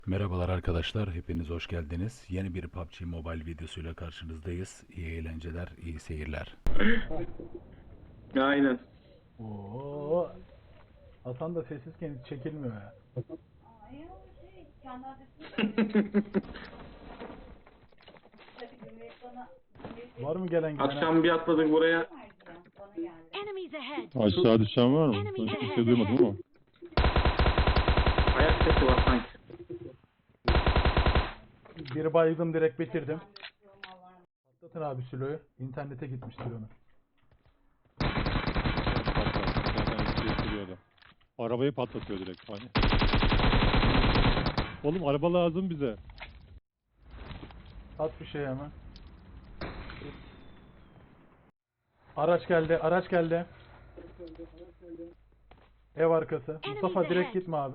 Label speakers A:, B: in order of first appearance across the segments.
A: Merhabalar arkadaşlar, hepiniz hoş geldiniz. Yeni bir PUBG Mobile videosuyla karşınızdayız. İyi eğlenceler, iyi seyirler.
B: Aynen.
C: Oo, Hasan da sessizken hiç çekilmiyor ya.
D: Ay o kendi adresini tabii Cumhuriyet bana
C: Var mı gelen giden?
B: Akşam bir atladık buraya.
D: bana geldi.
E: Enemies ahead.
F: Aşağı düşen var mı?
E: Enemies
F: Ben hiçbir
E: ahead.
F: şey duymadım ama.
B: Ayak sesi var sanki.
C: Bir bayıldım, direkt bitirdim. Patlatın abi Sülo'yu. İnternete gitmiştir onu.
F: Zaten bir şey sürüyordu. Arabayı patlatıyor direkt. Hani. Oğlum araba lazım bize.
C: At bir şey hemen. Araç geldi, araç geldi. Ev arkası. Mustafa direkt gitme abi.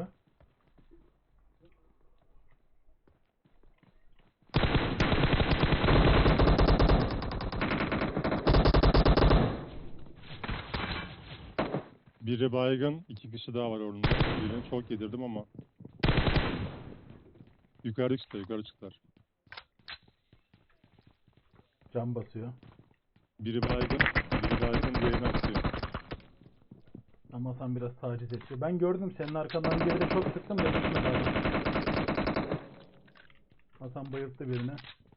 F: Biri baygın, 2 kişi daha var orada. Birini çok yedirdim ama. Yukarı çıktılar.
C: Cam basıyor.
F: Biri baygın, diğerini atıyor.
C: Ama Hasan biraz taciz ediyor. Ben gördüm senin arkandan bir de çok sıktım da gitmedi abi. Hasan bayılttı birini.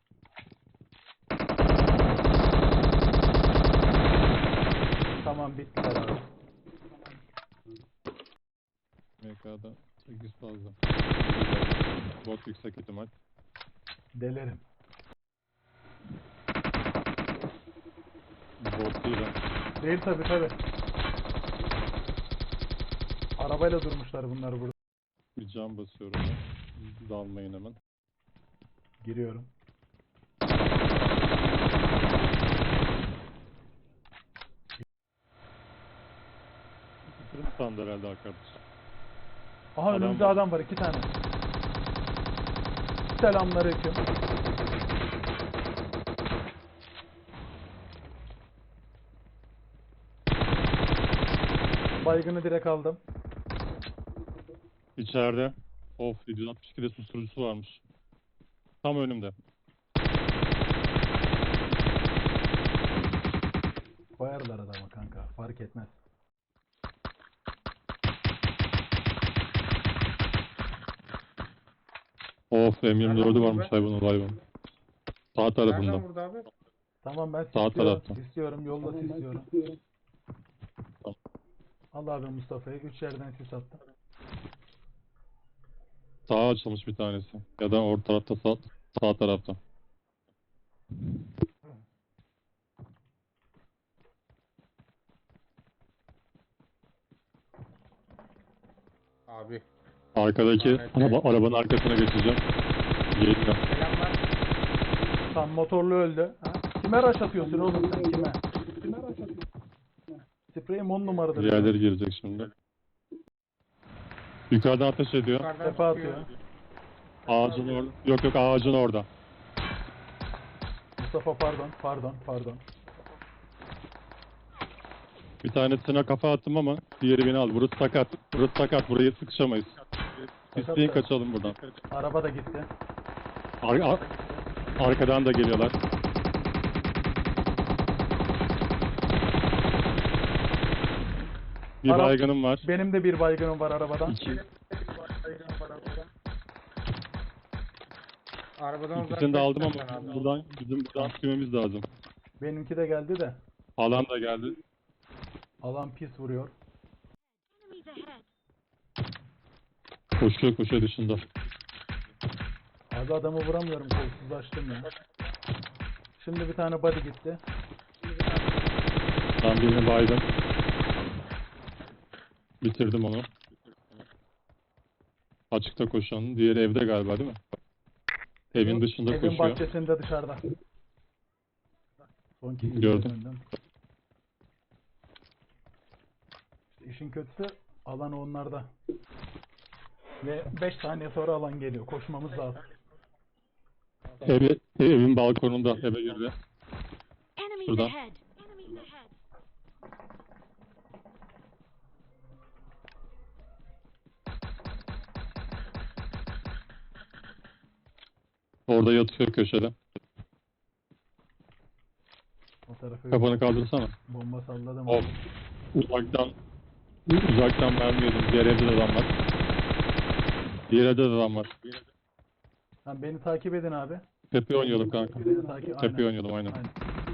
C: Tamam, bittiler abi.
F: MK'da 8 fazla. Bot yüksek ihtimal.
C: Delerim.
F: Bot değil ha.
C: Değil tabi. Arabayla durmuşlar bunlar burada.
F: Bir cam basıyorum ben. Dalmayın hemen.
C: Giriyorum.
F: Fırın sandı herhalde arkadaş.
C: Aha,
F: Adam
C: önümüzde
F: var.
C: adam var, 2 tane. Selamünaleyküm. Baygını direkt aldım.
F: İçeride. Of, 762'de susturucusu varmış. Tam önümde.
C: Koyarlar adama kanka, fark etmez.
F: Of, M24'ü varmış
B: Nereden
F: hayvanın. Sağ tarafında.
B: Nereden vurdu abi?
C: Tamam, ben
F: Sağ
C: istiyorum.
F: tarafta.
C: İstiyorum, yolda istiyorum.
F: Tamam.
C: Al abi Mustafa'yı. 3 yerden sis attım.
F: Sağa açılmış bir tanesi. Ya da orta tarafta, sağ tarafta.
B: Abi.
F: Arkadaki arabanın arkasına geçeceğim. Geliyor.
B: Selamlar.
C: Tam motorlu öldü. Ha? Kime rush atıyorsun oğlum sen, kime? Spreyim 10 numaradır.
F: Diğerleri gelecek şimdi. Yukarıdan ateş ediyor.
B: Yukarıdan
C: Tepe
B: çıkıyor.
C: atıyor.
F: Ağacın orada. Yok, ağacın orada.
C: Mustafa pardon.
F: Bir tanesine kafa attım ama diğeri beni aldı. Burası sakat. Burayı sıkışamayız. İsteyin kaçalım buradan.
C: Araba da gitti.
F: Arkadan da geliyorlar. Bir
C: Arap-
F: baygınım var.
C: Benim de bir baygınım var arabadan.
B: Arabadan
F: İkisini de aldım ama
B: uzaklaştın
F: bizim buradan sürmemiz lazım.
C: Benimki de geldi de.
F: Alan da geldi.
C: Alan pis vuruyor.
E: Enemies ahead.
F: Koşuyor dışında.
C: Abi adamı vuramıyorum, kolsuz açtım ya. Şimdi bir tane body gitti.
F: Ben birini baydım. Bitirdim onu. Açıkta koşan. Diğeri evde galiba, değil mi? Evin dışında
C: Evin
F: koşuyor.
C: bahçesinde dışarıda. Son iki
F: Gördüm.
C: önünden. İşte işin kötüsü alan onlarda. Ve 5 saniye sonra alan geliyor. Koşmamız lazım.
F: Evin balkonunda eve girdi.
E: Enemies
F: Şuradan.
E: ahead. Enemies ahead.
F: Orada yatıyor köşede.
C: O tarafa
F: Kafanı kaldırsana.
C: bomba salladım.
F: Of. Uzaktan mermi yedim. Diğer evde de adam var. Diğer evde de adam var.
C: Tamam, beni takip edin abi.
F: Tepe oynayalım kanka.
C: Beni takip
F: Tepe
C: aynen.
F: oynayalım aynen.
C: Aynen.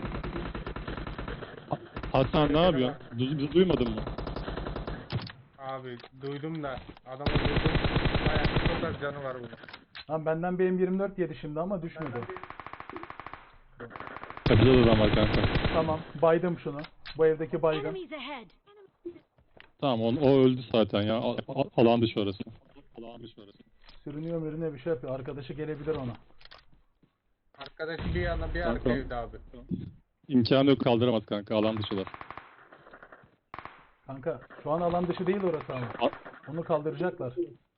F: Hasan ne yapıyorsun? Bizi duymadın mı?
B: Abi duydum da adamı duydum. Bayağı çok az canı var bunun.
C: Tamam, benden bir M24 yedi şimdi ama düşmedi.
F: Tepede de adam var kanka.
C: Tamam, baydım şunu. Bu evdeki baygın.
E: Enemies ahead.
F: Tamam o öldü zaten ya. Alan dışı orası. Alan dışı orası.
C: Sürünüyor mürünüyor bir şey yapıyor. Arkadaşı gelebilir ona.
B: Arkadaş bir yana bir arka
F: Tamam.
B: evde abi.
F: İmkanı yok kaldıramaz kanka. Alan dışılar.
C: Kanka şu an alan dışı değil orası ama. Onu kaldıracaklar.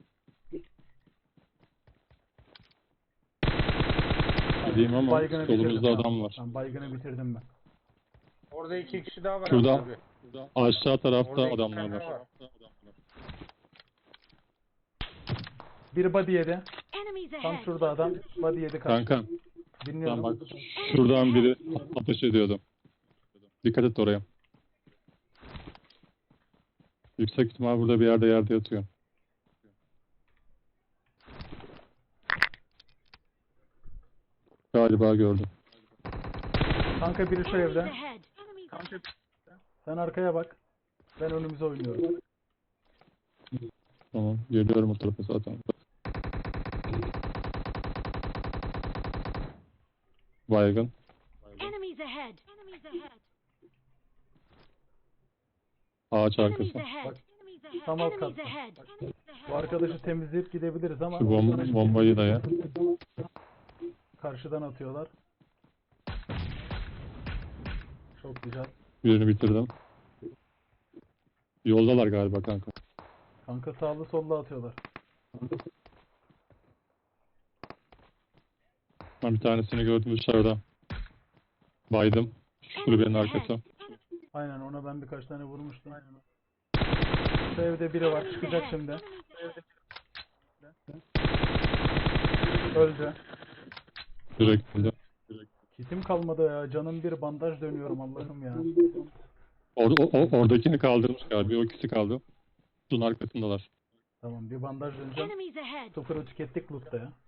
F: Diyeyim ama
C: Baygını
F: solumuzda
C: bitirdim.
F: adam var.
C: Tamam, baygını bitirdim ben.
B: Orada 2 kişi daha var
F: Şurada.
B: abi.
F: Aşağı tarafta
B: Orada iki
F: adamlar
B: tane
F: var.
B: var.
C: Bir body yedi.
E: Enemies
C: Tam
E: ahead.
C: şurada adam. Body yedi kaç.
F: Kanka
C: Dinliyorum.
F: ben bak şuradan biri ateş ediyordu. Dikkat et oraya. Yüksek ihtimal burada bir yerde yatıyor. Galiba gördüm.
C: Kanka biri şu
E: Enemies
C: evde.
E: ahead. Enemies ahead.
C: Sen arkaya bak. Ben önümüze oynuyorum.
F: Tamam geliyorum o tarafa zaten. Baygın.
E: Enemies ahead. Enemies ahead.
F: Ağaç
E: Enemies
F: arkası.
E: ahead.
C: Bak,
E: Enemies ahead.
C: tam alt
E: Enemies
C: katta.
E: ahead. Enemies ahead.
C: Bu arkadaşı temizleyip gidebiliriz ama
F: Şu bombayı da ya.
C: karşıdan atıyorlar. Çok güzel.
F: Birini bitirdim. Yoldalar galiba kanka.
C: Kanka sağlı sollu atıyorlar.
F: Ben bir tanesini gördüm dışarıda. Baydım. Şu kulübenin arkası.
C: Aynen, ona ben birkaç tane vurmuştum. Şu evde biri var, çıkacak şimdi. Öldü.
F: Direkt öldü.
C: Kitim kalmadı ya. Canım bir, bandaj dönüyorum Allah'ım ya.
F: Oradakini kaldırmış galiba. O ikisi kaldı. Şunun arkasındalar.
C: Tamam, bir bandaj döneceğim.
E: Enemies ahead.
C: Sıfırı tükettik loot'ta ya.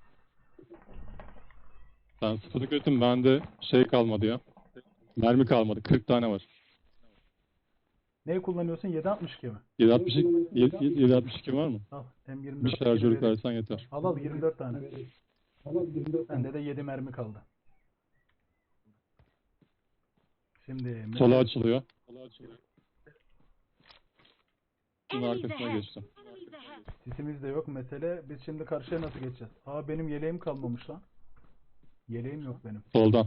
F: Ben sıfırı götüm. Bende şey kalmadı ya. Mermi kalmadı. 40 tane var.
C: Neyi kullanıyorsun? 7.62 mi?
F: 762 var mı?
C: Al.
F: Bir
C: M24.
F: şarjörlük versen yeter.
C: Al 24 tane. Bende de 7 mermi kaldı. Şimdi
F: Sola açılıyor. Bunun
E: Enemies
F: arkasına
E: ahead.
F: geçtim.
E: Enemies ahead.
C: sisimiz de yok mesele. Biz şimdi karşıya nasıl geçeceğiz? Aa, benim yeleğim kalmamış lan. Yeleğim yok benim.
F: Soldan.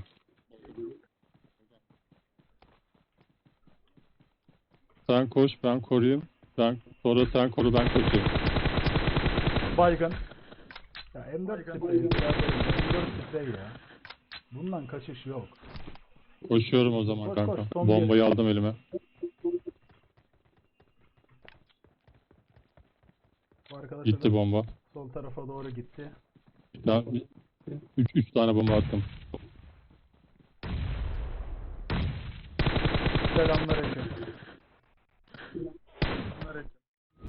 F: Sen koş, ben koruyayım. Sonra sen koru, ben koşayım.
C: Baygın. Ya M4 sprey. M4 sprey ya. Bundan kaçış yok.
F: Koşuyorum o zaman
C: Koş,
F: kanka.
C: koş, son
F: Bombayı
C: bir.
F: aldım elime.
C: Bu arkadaş
F: Gitti
C: da
F: bomba.
C: sol tarafa doğru gitti.
F: Ben 3 tane bomba attım.
C: Selamünaleyküm.